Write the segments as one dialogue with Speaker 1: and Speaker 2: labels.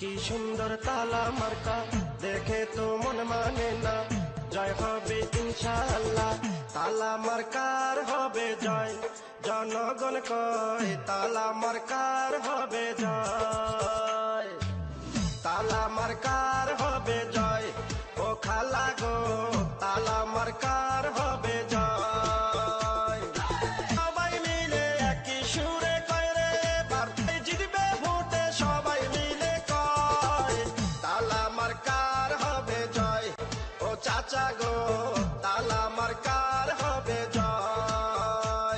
Speaker 1: কি সুন্দর তালা মার্কা, দেখে তো মন মানে না। জয় হবে ইনশাআল্লাহ, তালা মার্কার হবে জয়। জনগণ কয় তালা মার্কার হবে জয়, তালা মার্কার হবে জয়। ও খালা গো, তালা মার্কার হবে জয়। সবাই মিলে একই সুরে কয় রে, বার্তায় জিতবে ভোটে সবাই মিলে কয় তালা মার্কার হবে জয়। ও চাচা গো, তালা মার্কার হবে জয়,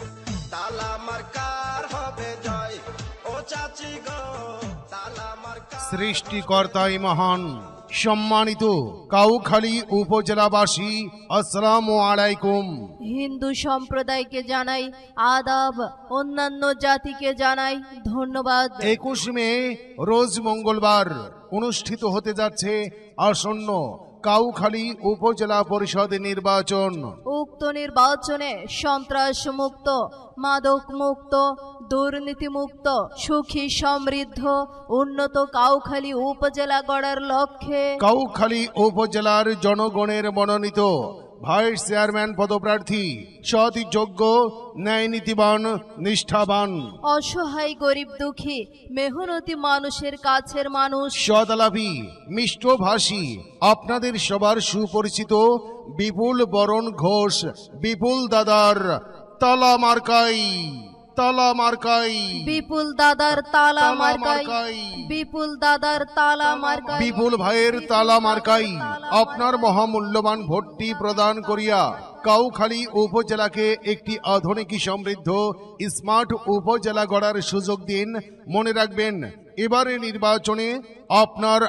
Speaker 1: তালা মার্কার হবে জয়। ও চাচি গো, তালা মার্কার।
Speaker 2: সৃষ্টিকর্তাই মহান। সম্মানিত কাউখালী উপজেলাবাসী, আসসালামু আলাইকুম।
Speaker 3: হিন্দু সম্প্রদায়কে জানাই আদাব, অন্যান্য জাতিকে জানাই ধন্যবাদ।
Speaker 2: 21 মে রোজ মঙ্গলবার অনুষ্ঠিত হতে যাচ্ছে আসন্ন কাউখালী উপজেলা পরিষদ নির্বাচন।
Speaker 3: উক্ত নির্বাচনে সন্ত্রাস মুক্ত, মাদক মুক্ত, দুর্নীতি মুক্ত, সুখী সমৃদ্ধ উন্নত কাউখালী উপজেলা গড়ার লক্ষ্যে
Speaker 2: কাউখালী উপজেলার জনগণের মনোনীত ভাইস চেয়ারম্যান পদপ্রার্থী সৎ, যোগ্য, ন্যায়নীতিবান, নিষ্ঠাবান,
Speaker 3: অসহায় গরিব দুঃখী মেহনতি মানুষের কাছের মানুষ,
Speaker 2: সদালাপী, মিষ্টভাষী, আপনাদের সবার সুপরিচিত বিপুল বরণ ঘোষ বিপুল দাদার তালা মার্কাই, তালা মার্কাই,
Speaker 3: বিপুল দাদার তালা
Speaker 2: তালা
Speaker 3: মার্কাই,
Speaker 2: মার্কাই,
Speaker 3: বিপুল দাদার তালা মার্কাই,
Speaker 2: বিপুল ভাইয়ের তালা মার্কাই আপনার মহামূল্যবান ভোটটি প্রদান করিয়া কাউখালী উপজেলাকে একটি আধুনিক সমৃদ্ধ স্মার্ট উপজেলা গড়ার সুযোগ দিন। মনে রাখবেন, এবারে নির্বাচনে আপনার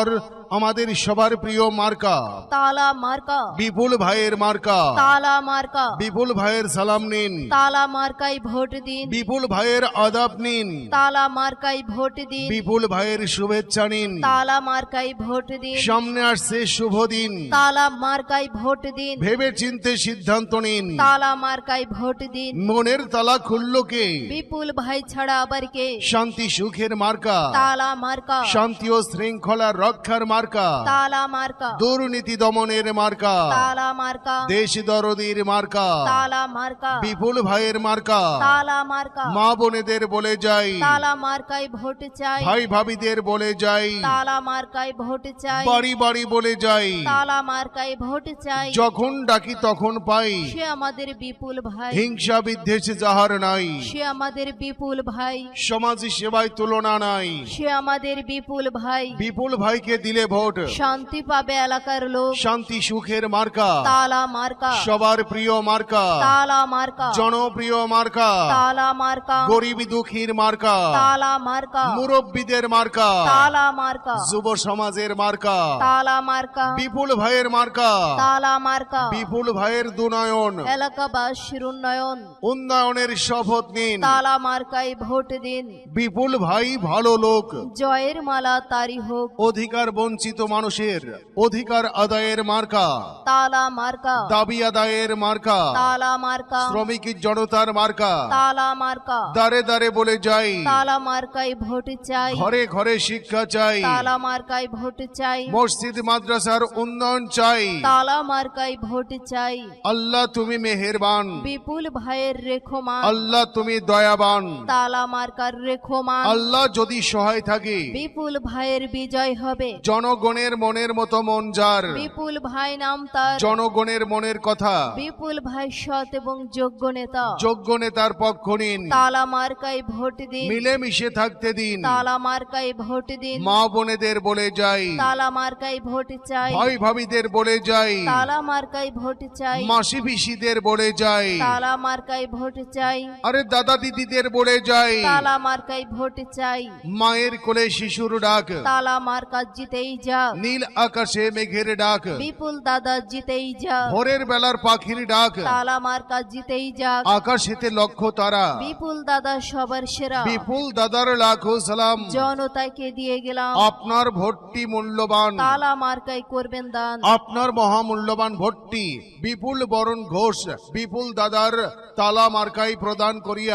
Speaker 2: আমাদের সবার প্রিয় মার্কা
Speaker 3: তালা মার্কা,
Speaker 2: বিপুল ভাইয়ের মার্কা।
Speaker 3: তালা মার্কা,
Speaker 2: বিপুল ভাইয়ের সালাম নিন,
Speaker 3: তালা মার্কাই ভোট দিন,
Speaker 2: বিপুল ভাইয়ের আদাব নিন,
Speaker 3: তালা মার্কাই ভোট দিন,
Speaker 2: বিপুল ভাইয়ের শুভেচ্ছা নিন।
Speaker 3: তালা মার্কাই ভোট দিন,
Speaker 2: সামনে আসছে শুভ দিন,
Speaker 3: তালা মার্কাই ভোট দিন,
Speaker 2: ভেবে চিন্তে সিদ্ধান্ত নিন।
Speaker 3: তালা মার্কাই ভোট দিন।
Speaker 2: মনের তালা খুলল কে?
Speaker 3: বিপুল ভাই ছাড়া আবার কে?
Speaker 2: শান্তি সুখের মার্কা,
Speaker 3: তালা মার্কা,
Speaker 2: শান্তি ও শৃঙ্খলা রক্ষার মার্কা,
Speaker 3: তালা মার্কা,
Speaker 2: দুর্নীতি দমনের মার্কা,
Speaker 3: তালা মার্কা,
Speaker 2: দেশ দরদির মার্কা,
Speaker 3: তালা মার্কা,
Speaker 2: বিপুল ভাইয়ের মার্কা।
Speaker 3: তালা মার্কা,
Speaker 2: মা বোনেদের বলে যাই,
Speaker 3: তালা মার্কাই ভোট চাই,
Speaker 2: ভাই ভাবিদের বলে যাই,
Speaker 3: তালা মার্কাই ভোট চাই,
Speaker 2: বাড়ি বাড়ি বলে যাই,
Speaker 3: তালা মার্কাই ভোট চাই।
Speaker 2: যখন ডাকি তখন পাই,
Speaker 3: সে আমাদের বিপুল ভাই,
Speaker 2: হিংসা বিদ্বেষ যাহার নাই,
Speaker 3: সে আমাদের বিপুল ভাই,
Speaker 2: সমাজ সেবায় তুলনা নাই।
Speaker 3: সে আমাদের বিপুল ভাই।
Speaker 2: বিপুল ভাইকে দিলে ভোট,
Speaker 3: শান্তি পাবে এলাকার লোক,
Speaker 2: শান্তি সুখের মার্কা,
Speaker 3: তালা মার্কা,
Speaker 2: সবার প্রিয় মার্কা,
Speaker 3: তালা মার্কা,
Speaker 2: জনপ্রিয় মার্কা,
Speaker 3: তালা মার্কা,
Speaker 2: গরিব দুঃখীর মার্কা,
Speaker 3: তালা মার্কা,
Speaker 2: মুরব্বীদের মার্কা,
Speaker 3: তালা মার্কা,
Speaker 2: যুব সমাজের মার্কা,
Speaker 3: তালা মার্কা,
Speaker 2: বিপুল ভাইয়ের মার্কা,
Speaker 3: তালা মার্কা,
Speaker 2: বিপুল ভাইয়ের দুনয়ন,
Speaker 3: এলাকাবাসীর উন্নয়ন,
Speaker 2: উন্নয়নের শপথ নিন।
Speaker 3: তালা মার্কাই ভোট দিন।
Speaker 2: বিপুল ভাই ভালো লোক,
Speaker 3: জয়ের মালা তারি হোক,
Speaker 2: অধিকার বঞ্চিত মানুষের অধিকার আদায়ের মার্কা,
Speaker 3: তালা মার্কা,
Speaker 2: দাবি আদায়ের মার্কা,
Speaker 3: তালা মার্কা,
Speaker 2: শ্রমিক জনতার মার্কা।
Speaker 3: তালা মার্কা,
Speaker 2: দারে দারে বলে যাই,
Speaker 3: তালা মার্কাই ভোট চাই,
Speaker 2: ঘরে ঘরে শিক্ষা চাই,
Speaker 3: তালা মার্কাই ভোট চাই,
Speaker 2: মসজিদ মাদ্রাসার উন্নয়ন চাই।
Speaker 3: তালা মার্কাই ভোট চাই।
Speaker 2: আল্লাহ তুমি মেহেরবান,
Speaker 3: বিপুল ভাইয়ের রেখোমান,
Speaker 2: আল্লাহ তুমি দয়াবান।
Speaker 3: তালা মার্কার রেখোমান,
Speaker 2: আল্লাহ যদি সহায় থাকে,
Speaker 3: বিপুল ভাইয়ের বিজয় হবে।
Speaker 2: জনগণের মনের মতো মন যার,
Speaker 3: বিপুল ভাই নাম তার,
Speaker 2: জনগণের মনের কথা,
Speaker 3: বিপুল ভাই সৎ এবং যোগ্য নেতা।
Speaker 2: যোগ্য নেতার পক্ষ নিন,
Speaker 3: তালা মার্কাই ভোট দিন,
Speaker 2: মিলেমিশে থাকতে দিন।
Speaker 3: তালা মার্কাই ভোট দিন,
Speaker 2: মা বোনেদের বলে যাই,
Speaker 3: তালা মার্কাই ভোট চাই,
Speaker 2: ভাই ভাবিদের বলে যাই,
Speaker 3: তালা মার্কাই ভোট চাই,
Speaker 2: মাসি পিসিদের বলে যাই,
Speaker 3: তালা মার্কাই ভোট চাই,
Speaker 2: আরে দাদা দিদিদের বলে যাই,
Speaker 3: তালা মার্কাই ভোট চাই।
Speaker 2: মায়ের কোলে শিশুর ডাক,
Speaker 3: তালা মার্কা জিতেই যা,
Speaker 2: নীল আকাশে মেঘের ডাক,
Speaker 3: বিপুল দাদা জিতেই যা,
Speaker 2: ভোরের বেলার পাখির ডাক,
Speaker 3: তালা মার্কা জিতেই যা,
Speaker 2: আকাশেতে লক্ষ তারা।
Speaker 3: বিপুল দাদা সবার সেরা,
Speaker 2: বিপুল দাদার লাখো সালাম,
Speaker 3: জনতাকে দিয়ে গেলাম।
Speaker 2: আপনার ভোটটি মূল্যবান,
Speaker 3: তালা মার্কাই করবেন দান।
Speaker 2: আপনার মহামূল্যবান ভোটটি বিপুল বরণ ঘোষ বিপুল দাদার তালা মার্কাই প্রদান করিয়া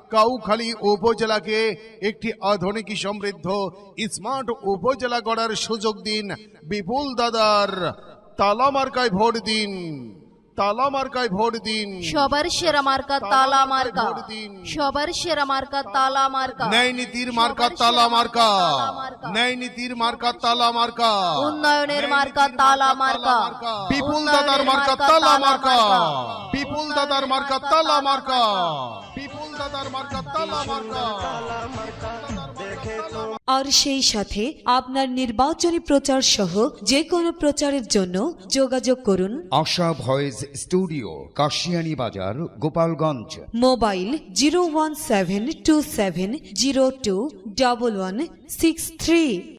Speaker 2: কাউখালী উপজেলাকে একটি আধুনিক সমৃদ্ধ স্মার্ট উপজেলা গড়ার সুযোগ দিন। বিপুল দাদার তালা মার্কায় ভোট দিন, তালা মার্কায় ভোট দিন।
Speaker 3: সবার সেরা মার্কা তালা মার্কা,
Speaker 2: ভোট দিন।
Speaker 3: সবার সেরা মার্কা তালা মার্কা,
Speaker 2: ন্যায় নীতির মার্কা তালা মার্কা, ন্যায় নীতির মার্কা তালা মার্কা,
Speaker 3: উন্নয়নের মার্কা তালা মার্কা,
Speaker 2: বিপুল দাদার মার্কা তালা মার্কা, বিপুল দাদার মার্কা তালা মার্কা, বিপুল দাদার মার্কা তালা মার্কা।
Speaker 4: আর সেই সাথে আপনার নির্বাচনী প্রচার সহ যে কোনো প্রচারের জন্য যোগাযোগ করুন
Speaker 5: আশা ভয়েস স্টুডিও, কাশিয়ানী বাজার, গোপালগঞ্জ।
Speaker 4: মোবাইল 01727021163।